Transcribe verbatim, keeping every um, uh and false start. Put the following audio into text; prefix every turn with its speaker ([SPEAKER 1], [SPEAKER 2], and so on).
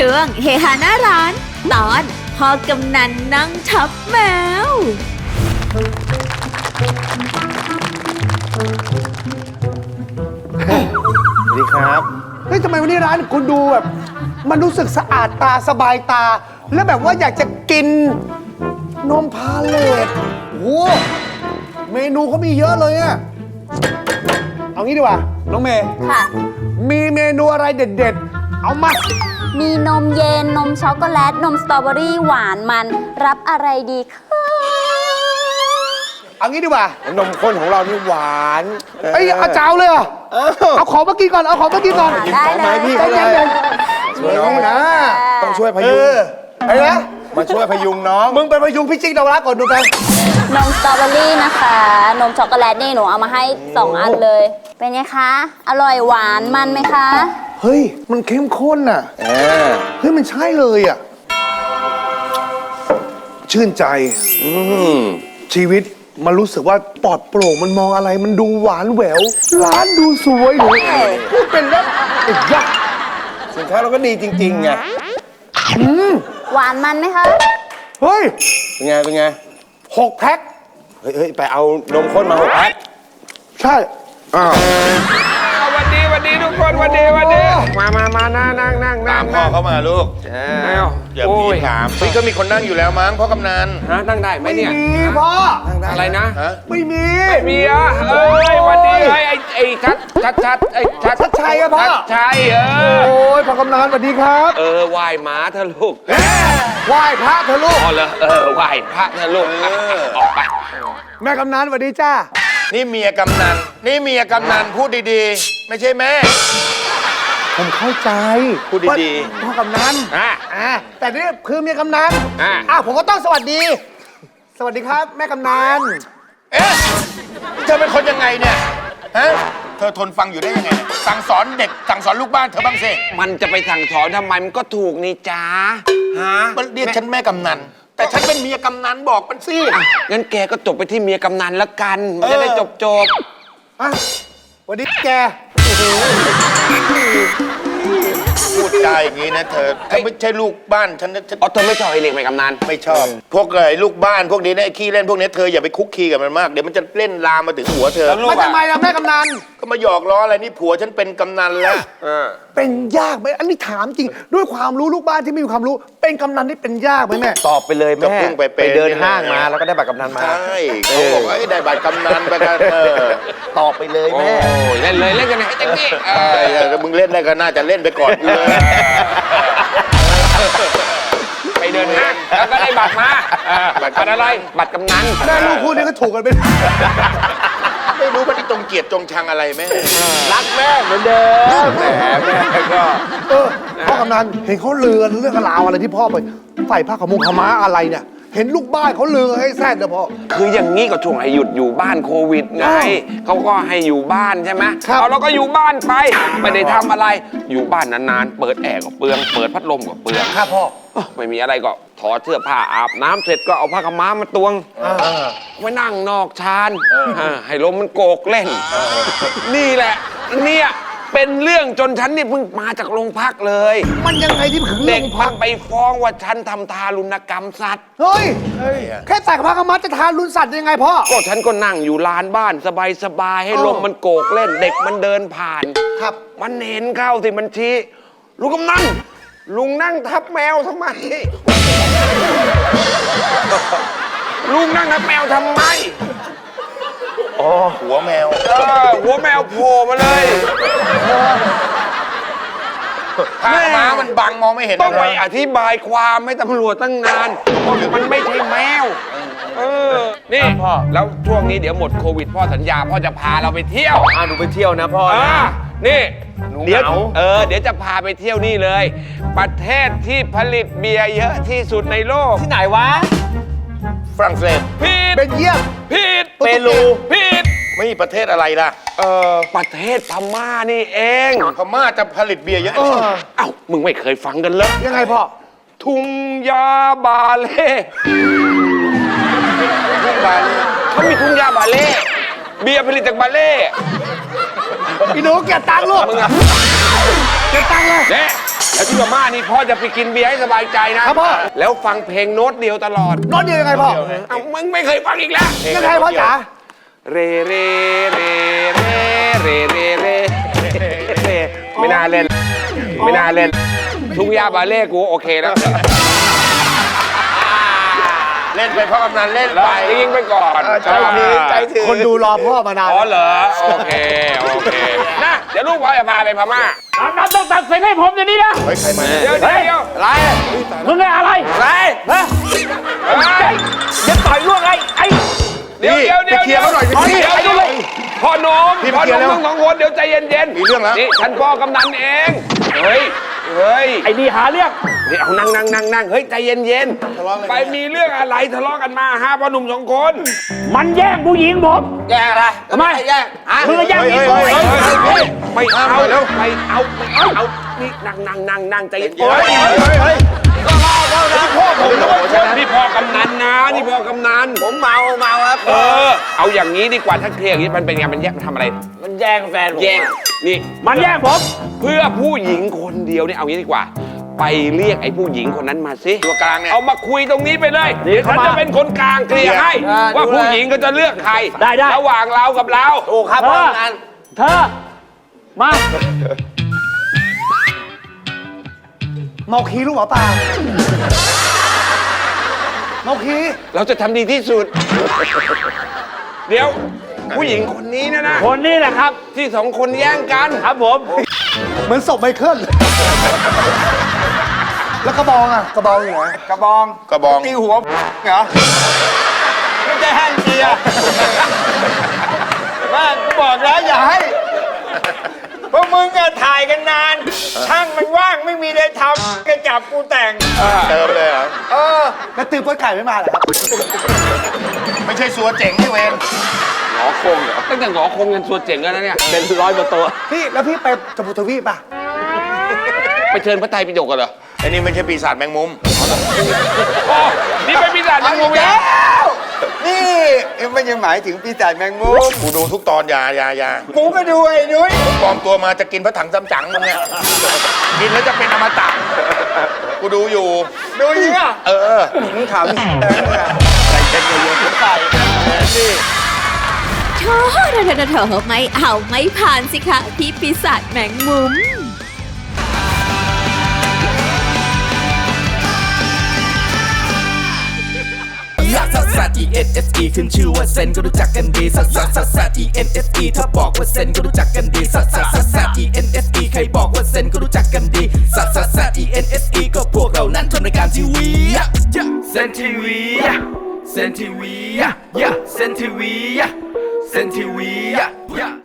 [SPEAKER 1] ช่วงเฮฮาหน้าร้านตอนพ่อกำนันนั่งทับแมว
[SPEAKER 2] สวัสดีครับเฮ้ยทำไมวันนี้ร้านคุณดูแบบมันรู้สึกสะอาดตาสบายตา แล้วแบบว่าอยากจะกินนมพาเลตโอ้เมนูเขามีเยอะเลยอะเอางี้ดีกว่าน้องเมย์
[SPEAKER 3] ค่ะ
[SPEAKER 2] มีเมนูอะไรเด็ดๆเอามา
[SPEAKER 3] มีนมเย็น นมช็อกโกแลต นมสตรอเบอรี่หวานมัน รับอะไรดีคะ
[SPEAKER 2] เอางี้ดีกว่าน
[SPEAKER 4] มข้นของเรานี่หวาน
[SPEAKER 2] เอ้ยเอาเจ้าเลยเหรอเอาของมากินก่อนเอาของมากินก่อน
[SPEAKER 3] ได้เลย
[SPEAKER 4] พี่
[SPEAKER 2] ใจ
[SPEAKER 4] เขาเล
[SPEAKER 2] เย็
[SPEAKER 4] ย
[SPEAKER 2] น
[SPEAKER 4] ช่วยน้องนะต้องช่วยพ
[SPEAKER 2] ๆเอ
[SPEAKER 4] ยุง
[SPEAKER 2] อไอ้นะ
[SPEAKER 4] มาช่วยพยุงน้อง
[SPEAKER 2] มึงเป็นพยุงพิจิกดาวรักก่อนดูไป
[SPEAKER 3] นมสตรอเบอรี่นะคะ นมช็อกโกแลตนี่หนูเอามาให้สองอันเลย เป็นไงคะ อร่อยหวานมันไหมคะ
[SPEAKER 2] เฮ้ยมันเข้มข้นอ่ะ
[SPEAKER 4] เออ
[SPEAKER 2] เฮ้ยมันใช่เลยอ่ะชื่นใจ
[SPEAKER 4] อืม
[SPEAKER 2] ชีวิตมันรู้สึกว่าปลอดโปร่งมันมองอะไรมันดูหวานแหวว ร้านดูสวยหนูพูดเป็นแล้วไอ้ยักษ์
[SPEAKER 4] สินค้าเราก็ดีจริงๆไง
[SPEAKER 3] หวานมันไหมคะ
[SPEAKER 2] เฮ้ย
[SPEAKER 4] เป็นไงเป็นไง
[SPEAKER 2] หกแพ็ค
[SPEAKER 4] เฮ้ยเฮ้ยไปเอานมข้นมาหกแพ็ค
[SPEAKER 2] ใช่
[SPEAKER 4] อ้าว
[SPEAKER 5] สวัสดีสวัสดีทุกคนสวัสดีสวัสดี มามามานั่งนั่งนั่ง
[SPEAKER 6] ตามพ่อเข้ามาลูก
[SPEAKER 5] เอ้า
[SPEAKER 6] อย่า
[SPEAKER 5] โอ้
[SPEAKER 6] พี่
[SPEAKER 5] ย
[SPEAKER 6] ถามพี่ก็มีคนนั่งอยู่แล้วมั้งพ่อกำนัน
[SPEAKER 5] ฮะนั่งได้ไหม
[SPEAKER 2] ไม่
[SPEAKER 5] เนี่ย
[SPEAKER 2] มีพ่อ
[SPEAKER 5] อะไรนะ
[SPEAKER 6] ฮะ
[SPEAKER 2] ไม่มี
[SPEAKER 5] ไม่มีอ่ะเอ้ยสวัสดีไอ้ไอ้ไอ้ชัดชัดชัดไอ้ชัด
[SPEAKER 2] ชัดชัยอะพ่อ
[SPEAKER 5] ชัดชัยเออ
[SPEAKER 2] โอ้ยพ่อกำนันสวัสดีครับ
[SPEAKER 5] เออไหว้หมาเถอะลูก
[SPEAKER 2] ไหว้พระเถอะลูก
[SPEAKER 5] อ๋อเหรอเออไหว้พระเถอะลูกอ่ะออกไป
[SPEAKER 2] แม่กำนันสวัสดีจ้า
[SPEAKER 6] นี่เมียกำนันนี่เมียกำนันพูดดีๆ ไม่ใช่แม่
[SPEAKER 2] ผมเข้าใจ
[SPEAKER 6] พูดดีๆ
[SPEAKER 2] พ่อกำนัน
[SPEAKER 5] อ่ะ
[SPEAKER 2] อ่าแต่นี่คือเมียกำนัน
[SPEAKER 5] อ่ะ
[SPEAKER 2] อ่ะผมก็ต้องสวัสดี สวัสดีครับ แม่กำนัน
[SPEAKER 6] เอ๊ะเธอเป็นคนยังไงเนี่ยฮะเธอทนฟังอยู่ได้ยังไงเนี่ยสั่งสอนเด็กสั่งสอนลูกบ้านเธอบ้างสิ
[SPEAKER 5] มันจะไปสั่งสอนทำไมมันก็ถูกนี่จ้าฮะ
[SPEAKER 6] มันเรียกฉันแม่กำนันแต่ฉันเป็นเมียกำนันบอกมันสิ
[SPEAKER 5] งั้นแกก็จบไปที่เมียกำนันแล้วกันมันจะได้จบจบ
[SPEAKER 2] อ่ะสวัสดีแก
[SPEAKER 6] พูดจาอย่างนี้นะเธอถ้าไม่ใช่ลูกบ้านฉันฉัน
[SPEAKER 5] อ๋อเธอไม่ชอบไอ้เล็กไหมกำนัน
[SPEAKER 6] ไม่ชอบ พวกไอ้ลูกบ้านพวกนี้เนี่ยไอ้ขี้เล่นพวกนี้เธออย่าไปคุกคีกับมันมากเดี๋ยวมันจะเล่นลามมาถึงหัวเธอ
[SPEAKER 5] แล้วลูก
[SPEAKER 2] มาทำไมล่ะแม่กำนัน
[SPEAKER 6] ก็มาหยอกล้ออะไรนี่ผัวฉันเป็นกำนันแล้ว
[SPEAKER 5] เออ
[SPEAKER 2] เป็นยากไหมอันนี้ถามจริง ด้วยความรู้ลูกบ้านที่ไม่มีความรู้ เป็นกำนันที่เป็นยากไหมแม่
[SPEAKER 4] ตอบไปเลย
[SPEAKER 6] ก็
[SPEAKER 4] แม่
[SPEAKER 6] เพิ่งไปเป็น
[SPEAKER 4] เดินห้างมาแล้วก็ได้บัตรกำนันมา
[SPEAKER 6] ใช่เขาบอกว่าไอ้ได้บัตรกำนันไปกันเออ
[SPEAKER 4] ตอบไปเลย
[SPEAKER 5] โอ้
[SPEAKER 4] แม่
[SPEAKER 5] ยเล่นเลยเล่นกันให้เต็มที่เอ
[SPEAKER 6] เอ
[SPEAKER 5] อ
[SPEAKER 6] อถ้ามึงเล่นได้ก็น่าจะเล่นไปก่อนกูเลย
[SPEAKER 5] ไปเดินห้างแล้วก็ได้บัตรมาเออบัตรอะไร บัตรกำนัน
[SPEAKER 2] แม่ลูกคู่นี้ก็ถูกกันไป
[SPEAKER 6] ไม่รู้มันจงเกลียดจงชังอะไรแม่
[SPEAKER 4] รักแม่เหมือนเดิมแหมแม่ก็
[SPEAKER 2] เออพ่อกำนันเห็นเขาเลือนเรื่องราวอะไรที่พ่อไปใส่ผ้าขาวมุงขาวม้าอะไรเนี่ย เห็นลูกบ้านเขาเลือให้แซ่ดเลยพ่อ
[SPEAKER 5] คืออย่างนี้ก็ช่วงให้หยุดอยู่บ้านโควิดไง
[SPEAKER 2] อ้าว
[SPEAKER 5] เขาก็ให้อยู่บ้านใช่ไหม
[SPEAKER 2] ครับ
[SPEAKER 5] เอาเราก็อยู่บ้านไป ไม่ได้ทำอะไร อยู่บ้านนานๆ เปิดแอร์ก็เปลือง เปิดพัดลมก็เปลือง
[SPEAKER 2] ครับพ่อ
[SPEAKER 5] อ้าวไม่มีอะไรก็ถอดเสื้อผ้าอาบน้ำเสร็จก็เอาผ้าขาวม้ามาตวง ไว้นั่งนอกชานอ่าให้ลมมันโกกเล่น นี่แหละ เนี่ยเป็นเรื่องจนฉันนี่เพิ่งมาจากโรงพักเลย
[SPEAKER 2] มันยังไงที่ถึง
[SPEAKER 5] เด็
[SPEAKER 2] เรื่
[SPEAKER 5] ก
[SPEAKER 2] อง
[SPEAKER 5] มั
[SPEAKER 2] พั
[SPEAKER 5] น
[SPEAKER 2] ง
[SPEAKER 5] ไปฟ้องว่าฉันทำทารุณกรรมสัตว์
[SPEAKER 2] เฮ้ย แค่ใส่ผ้าขาวม้าจะทานรุนสัตว์ยังไงพ่อ
[SPEAKER 5] ก็ฉันก็นั่งอยู่ลานบ้านสบายๆให้
[SPEAKER 2] อ๋อ
[SPEAKER 5] ลมมันโกกเล่น เด็กมันเดินผ่าน
[SPEAKER 2] ครับ
[SPEAKER 5] มันเห็นเข้าสิมันชี้ลุงกำนันลุงนั่งทับแมวทำไม ลุงนั่งทับแมวทำไม
[SPEAKER 6] อ๋อหัวแมว
[SPEAKER 5] เออหัวแมวโผล่มาเลย
[SPEAKER 6] ผ้าม้ามันบังมองไม่เห็น
[SPEAKER 5] ต้องไป
[SPEAKER 6] เลย
[SPEAKER 5] อธิบายความให้ตำรวจตั้งนานว่ามันไม่ใช่แมว เออ นี่พ่อแล้วช่วงนี้เดี๋ยวหมดโควิดพ่อสัญญาพ่อจะพาเราไปเที่ยว
[SPEAKER 4] อ่าหนูไปเที่ยวนะพ่อ
[SPEAKER 5] อ่า
[SPEAKER 4] นะ
[SPEAKER 5] นี่
[SPEAKER 4] หนู
[SPEAKER 5] เดี๋ยว
[SPEAKER 4] เหงา
[SPEAKER 5] เออ เดี๋ยวจะพาไปเที่ยวนี่เลย ประเทศที่ผลิตเบียร์เยอะที่สุดในโลก
[SPEAKER 4] ที่ไหนวะ
[SPEAKER 6] ฝรั่งเศส
[SPEAKER 5] ผิด
[SPEAKER 2] เป็นเยี่ยม
[SPEAKER 5] ผิด
[SPEAKER 4] เปรู
[SPEAKER 5] ผิด
[SPEAKER 6] ไม่มีประเทศอะไรล่ะ
[SPEAKER 5] เออประเทศพม่านี่เอง
[SPEAKER 6] พม่าจะผลิตเบียร์เยอะ
[SPEAKER 2] เออ
[SPEAKER 5] เอ้า มึงไม่เคยฟังกันเลย
[SPEAKER 2] ยังไงพ่อ
[SPEAKER 5] ทุงยาบาเล่
[SPEAKER 6] ทุกบาลี
[SPEAKER 5] เขามีทุงยาบาเล่ เบียร์ผลิตจากบาเล่
[SPEAKER 2] พี่หนูเก็บตังค์ลูก
[SPEAKER 5] มึงอะ
[SPEAKER 2] เก็บตังค์เลย
[SPEAKER 5] เน่แล้วที่พม่านี่พ่อจะไปกินเบียร์ให้สบายใจนะครับ
[SPEAKER 2] พ่อ
[SPEAKER 5] แล้วฟังเพลงโน้ตเดียวตลอด
[SPEAKER 2] โน้ตเดียวยังไงพ่อ
[SPEAKER 5] เอ้ามึงไม่เคยฟังอีกแล้ว
[SPEAKER 2] ยังไงพ่อจ๋า
[SPEAKER 5] เรเรเรเรเรเรเรเรไม่น่าเล่น ไม่น่าเล่น ทุ่งหญ้าบาเล่กูโอเคแล้ว
[SPEAKER 6] เล่นไปเพราะกำนันเล่น
[SPEAKER 5] แล้ว
[SPEAKER 6] ไป
[SPEAKER 5] ยิงไปก่อน
[SPEAKER 6] ใจถือใจถือ
[SPEAKER 2] คนดูรอพ่อมานาน
[SPEAKER 5] อ๋อเหรอ โอเค โอเคนะเดี๋ยวลูกพ่อจะพาไปพม่า
[SPEAKER 7] น้ำต้องตัดสินให้ผมเดี๋ยวนี้นะ
[SPEAKER 6] เฮ้ยใครมา
[SPEAKER 5] เดี๋ยวเดี๋ยวเดี๋ยว
[SPEAKER 6] อะไร
[SPEAKER 7] มึงไงอะไร
[SPEAKER 5] อะไร
[SPEAKER 7] ฮะ
[SPEAKER 5] เฮ้ย
[SPEAKER 7] จะต่อยล่วงไงไอ้
[SPEAKER 5] เดี๋ยวเดี๋ยวเดี๋ยว
[SPEAKER 6] ไปเคลียร์เขาหน่อยสิ
[SPEAKER 5] เดี๋ยวเดี๋ยวพ่อหนุ่ม
[SPEAKER 6] พี่ไป
[SPEAKER 5] พ่อ
[SPEAKER 6] เคลี
[SPEAKER 5] ห
[SPEAKER 6] ยร์
[SPEAKER 5] นุ่ม
[SPEAKER 6] แล้ว
[SPEAKER 5] ทั้งสองคนเดี๋ยวใจเย็นๆ
[SPEAKER 6] มีเรื่องแล้ว
[SPEAKER 5] นี่ฉันพ่อกำนันเอง เฮ้ย เฮ้ย
[SPEAKER 7] ไอ้นี่หาเรื่อง
[SPEAKER 5] เฮ้ยเอานั่งนั่งนั่งนั่งเฮ้ยใจเย็นเย็นๆไปมีเรื่องอะไรทะเลาะกันมาฮะพ่อหนุ่มสองคน
[SPEAKER 7] มันแย่งผู้หญิงผม
[SPEAKER 5] แย่อะไร
[SPEAKER 7] ทำไม
[SPEAKER 5] แย่ฮะ
[SPEAKER 7] มึงก็แย่งผู้หญิงผม
[SPEAKER 6] เฮ้ยเฮ้ยเฮ้ย
[SPEAKER 5] ไม่เอา
[SPEAKER 6] เอาเร็ว
[SPEAKER 5] ไม่เอาไม่เอาเอานี่นั่งนั่งนั่งนั่งใจเย็น
[SPEAKER 6] เฮ้ยเฮ้ยเฮ้ย
[SPEAKER 5] พ่อผมด้วยนี่พ่อกำนันนะนี่พ่อกำนัน
[SPEAKER 4] ผมเมาเมาครับ
[SPEAKER 5] เออ เอาอย่างนี้ดีกว่าถ้าเคลียร์อย่างนี้มันเป็นไงมันแย่งมันทำอะไร
[SPEAKER 4] มันแย่งแฟนผม
[SPEAKER 5] แย่งนี่
[SPEAKER 7] มันแย่งผม
[SPEAKER 5] เพื่อผู้หญิงคนเดียวเนี่ยเอางี้ดีกว่า ไปเรียกไอ้ผู้หญิงคนนั้นมาสิ
[SPEAKER 6] ตัวกลางเนี่ย
[SPEAKER 5] เอามาคุยตรงนี้ไปเลยเดี๋ยวฉันจะเป็นคนกลางเคลียร์ให้ ว่าผู้หญิงก็จะเลือกใคร
[SPEAKER 7] ได้ได้
[SPEAKER 5] ระหว่างเรากับเรา
[SPEAKER 4] ถูกครับ
[SPEAKER 7] เธ
[SPEAKER 4] พ่อ
[SPEAKER 7] อ
[SPEAKER 4] งาน
[SPEAKER 7] เธอ มา
[SPEAKER 2] เมาคีลูกหมอปลาเมาคี
[SPEAKER 5] เราจะทำดีที่สุด เดี๋ยว ผู้หญิงคนนี้นะนะ
[SPEAKER 7] คนนี้แหละครับ
[SPEAKER 5] ที่สองคนแย่งกัน
[SPEAKER 7] ครับผม
[SPEAKER 2] เหมือนศพไมเคิลแล้วกระบองอ่ะกระบองอยู่ไหน
[SPEAKER 4] กระบอง
[SPEAKER 6] กระบอง
[SPEAKER 4] ตีหัวเหรอไม่ใช่แห้งเจียว่ากูบอกแล้วอย่าให้พวกมึงก็ถ่ายกันนาน ช่างมันว่างไม่มีอะไรทำก็จับกูแต่ง
[SPEAKER 6] เติมเลยเหรอ
[SPEAKER 4] เออ
[SPEAKER 2] แล้วตือป้นไก่ไม่มาเหรอครับ
[SPEAKER 6] ไม่ใช่สัวเจ๋งที่เวน
[SPEAKER 5] หงอคงเหรอตั้งแต่หงอคงยันส่วนเจ๋งแล้วนะเนี่ย เป็นร้อยกว่าตัว
[SPEAKER 2] พี่แล้วพี่ไปจมูกทวีปป่ะ
[SPEAKER 5] ไปเชิญพระไตรปิฎกกันเหรอ
[SPEAKER 6] ไอ้นี่ไม่ใช่ปีศาจแมงมุม
[SPEAKER 5] อ๋อนี่เป็นปีศาจแมงมุมแล้ว
[SPEAKER 4] นี่มันยังหมายถึงปีศาจแมงมุม
[SPEAKER 6] กูดูทุกตอนอยาอยาอยา
[SPEAKER 4] กูก็ดูไอ้นุ้ย
[SPEAKER 6] ปลอมตัวมาจะกินพระถังซัมจั๋งมึงเนี่ย กินแล้วจะเป็นอมตะ กูดูอยู่
[SPEAKER 4] ดูยิงอ่ะ
[SPEAKER 6] เออ
[SPEAKER 4] มึงขำแดงเลยอ่ะ
[SPEAKER 6] ใส่เต็มเลยเยอะใส่นี่
[SPEAKER 1] โธ่เธอเธอเธอไม่เอาไม่ผ่านสิคะพี่ปีศาจแมงมุม
[SPEAKER 8] ลักซัสซัส E N S E ขึ้นชื่อว่าเซนก็รู้จักกันดีซัสซัสซัสซัส E N S E ถ้าบอกว่าเซนก็รู้จักกันดีซัสซัสซัสซัส E N S E ใครบอกว่าเซนก็รู้จักกันดีซัสซัสซัส E N S E ก็พวกเรานั้นทำรายการทีวีเซนทีวีเซนทีวีเซนทีวีเซนทีวี